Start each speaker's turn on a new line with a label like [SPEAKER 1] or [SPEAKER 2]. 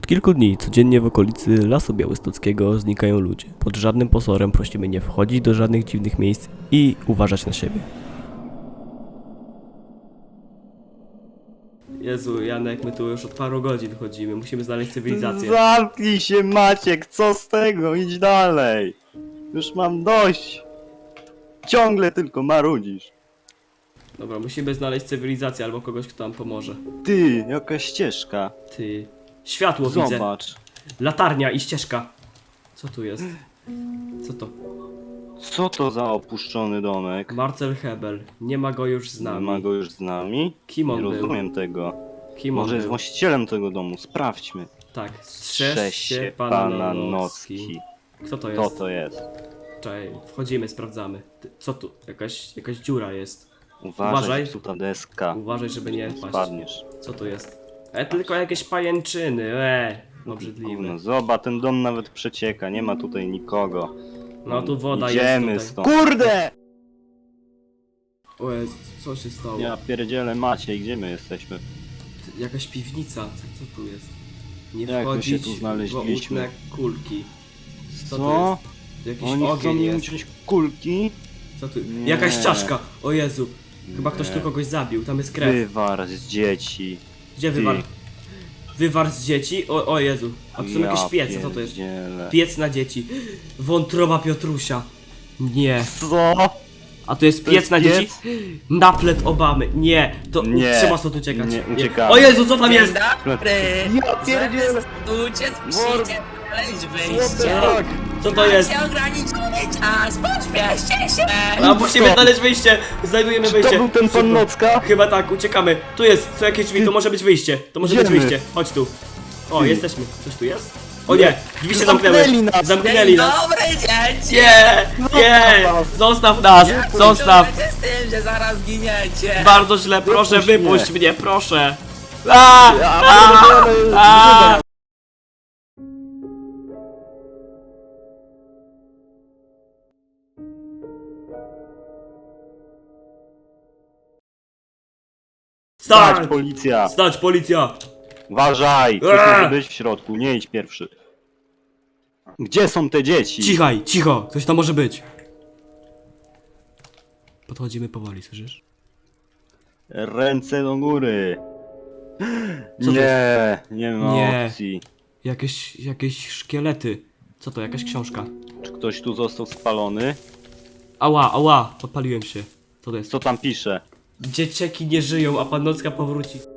[SPEAKER 1] kilku dni codziennie w okolicy Lasu Białostockiego znikają ludzie. Pod żadnym pozorem prosimy nie wchodzić do żadnych dziwnych miejsc i uważać na siebie. Jezu, Janek, my tu już od paru godzin chodzimy, musimy znaleźć cywilizację.
[SPEAKER 2] Zamknij się, Maciek, co z tego? Idź dalej. Już mam dość. Ciągle tylko marudzisz.
[SPEAKER 1] Dobra, musimy znaleźć cywilizację albo kogoś, kto nam pomoże.
[SPEAKER 2] Ty, jaka ścieżka.
[SPEAKER 1] Ty... Światło widzę.
[SPEAKER 2] Zobacz.
[SPEAKER 1] Latarnia i ścieżka. Co tu jest? Co to?
[SPEAKER 2] Co to za opuszczony domek?
[SPEAKER 1] Marcel Hebel. Nie ma go już z
[SPEAKER 2] Nie
[SPEAKER 1] nami.
[SPEAKER 2] ma go już z nami?
[SPEAKER 1] Kim
[SPEAKER 2] Nie
[SPEAKER 1] on był?
[SPEAKER 2] rozumiem tego.
[SPEAKER 1] Kim on
[SPEAKER 2] Może jest
[SPEAKER 1] był?
[SPEAKER 2] właścicielem tego domu, sprawdźmy.
[SPEAKER 1] Tak, strzeż się
[SPEAKER 2] pana
[SPEAKER 1] pana
[SPEAKER 2] Nocki.
[SPEAKER 1] Nocki. Kto to
[SPEAKER 2] Kto
[SPEAKER 1] jest?
[SPEAKER 2] to jest?
[SPEAKER 1] Czekaj, wchodzimy, sprawdzamy. Co tu? Jakaś dziura jest.
[SPEAKER 2] Uważaj,
[SPEAKER 1] Uważaj.
[SPEAKER 2] zepsuta deska.
[SPEAKER 1] Uważaj, żeby nie wpaść.
[SPEAKER 2] Spadniesz.
[SPEAKER 1] Co to jest? Tylko jakieś pajęczyny, obrzydliwe.
[SPEAKER 2] Gówno, zobacz, ten dom nawet przecieka, nie ma tutaj nikogo.
[SPEAKER 1] No tu woda
[SPEAKER 2] Idziemy
[SPEAKER 1] jest
[SPEAKER 2] stąd.
[SPEAKER 1] tutaj.
[SPEAKER 2] Kurde!
[SPEAKER 1] Ojej, co się stało?
[SPEAKER 2] Ja pierdzielę, Maciej, gdzie my jesteśmy?
[SPEAKER 1] Jakaś piwnica, co tu jest? Nie
[SPEAKER 2] Jak my
[SPEAKER 1] wchodzić
[SPEAKER 2] się tu znaleźliśmy?
[SPEAKER 1] w ołówne kulki.
[SPEAKER 2] Co?
[SPEAKER 1] to jest? Jakiś
[SPEAKER 2] Oni chcą
[SPEAKER 1] ogień
[SPEAKER 2] mi
[SPEAKER 1] jest.
[SPEAKER 2] uciąć kulki?
[SPEAKER 1] Co tu?
[SPEAKER 2] Nie.
[SPEAKER 1] Jakaś czaszka! O Jezu! Chyba ktoś
[SPEAKER 2] Nie.
[SPEAKER 1] tu kogoś zabił, tam jest krew.
[SPEAKER 2] Wywar z dzieci.
[SPEAKER 1] Gdzie
[SPEAKER 2] Ty.
[SPEAKER 1] wywar? Wywar z dzieci? O Jezu. A tu są jakieś piece, co to jest?
[SPEAKER 2] pierdzielę.
[SPEAKER 1] Piec na dzieci. Wątroba Piotrusia. Nie.
[SPEAKER 2] Co?
[SPEAKER 1] A to jest
[SPEAKER 2] To
[SPEAKER 1] piec
[SPEAKER 2] jest
[SPEAKER 1] na
[SPEAKER 2] piec?
[SPEAKER 1] dzieci? Naplet Obamy. Nie. To
[SPEAKER 2] Nie.
[SPEAKER 1] trzeba stąd uciekać.
[SPEAKER 2] Nie, uciekamy.
[SPEAKER 1] O Jezu, co tam
[SPEAKER 3] Dzień
[SPEAKER 1] jest?
[SPEAKER 3] dobry!
[SPEAKER 2] Ja pierdzielę.
[SPEAKER 3] Zastępujcie, przyjdzie znaleźć wyjście!
[SPEAKER 2] Tak.
[SPEAKER 1] Co to jest?
[SPEAKER 3] Macie ograniczony czas, pośpieszcie się!
[SPEAKER 1] A musimy znaleźć wyjście. Znajdujemy
[SPEAKER 2] Czy
[SPEAKER 1] wyjście.
[SPEAKER 2] to był ten pan
[SPEAKER 1] Szybko.
[SPEAKER 2] Nocka?
[SPEAKER 1] Chyba tak, uciekamy. Tu jest, są jakieś drzwi, to może być wyjście. To może być
[SPEAKER 2] Idziemy.
[SPEAKER 1] wyjście. Chodź tu. O,
[SPEAKER 2] Ty.
[SPEAKER 1] jesteśmy. Coś tu jest? O nie, drzwi się zamknęły.
[SPEAKER 2] Zamknęli nas.
[SPEAKER 1] Zamknęli
[SPEAKER 3] Dzień
[SPEAKER 1] nas.
[SPEAKER 3] dobry, dzieci!
[SPEAKER 1] Nie, nie,
[SPEAKER 2] nas.
[SPEAKER 1] zostaw nas, zostaw.
[SPEAKER 3] Czujecie z tym, że zaraz giniecie!
[SPEAKER 1] Bardzo źle, proszę,
[SPEAKER 2] Wypuść
[SPEAKER 1] wypuść
[SPEAKER 2] mnie.
[SPEAKER 1] mnie, proszę. A, a.
[SPEAKER 2] Stać,
[SPEAKER 1] Stać,
[SPEAKER 2] policja!
[SPEAKER 1] stać, policja.
[SPEAKER 2] Uważaj! Ktoś
[SPEAKER 1] Eee.
[SPEAKER 2] może być w środku, nie idź pierwszy. Gdzie są te dzieci?
[SPEAKER 1] Cichaj, cicho, coś tam może być. Podchodzimy powoli, słyszysz?
[SPEAKER 2] Ręce do góry!
[SPEAKER 1] Co to
[SPEAKER 2] nie ma
[SPEAKER 1] Nie.
[SPEAKER 2] opcji.
[SPEAKER 1] Jakieś szkielety. Co to, jakaś książka?
[SPEAKER 2] Czy ktoś tu został spalony?
[SPEAKER 1] Ała, podpaliłem się. Co to jest?
[SPEAKER 2] Co tam pisze?
[SPEAKER 1] Dzieciaki nie żyją, a pan Nocka powróci.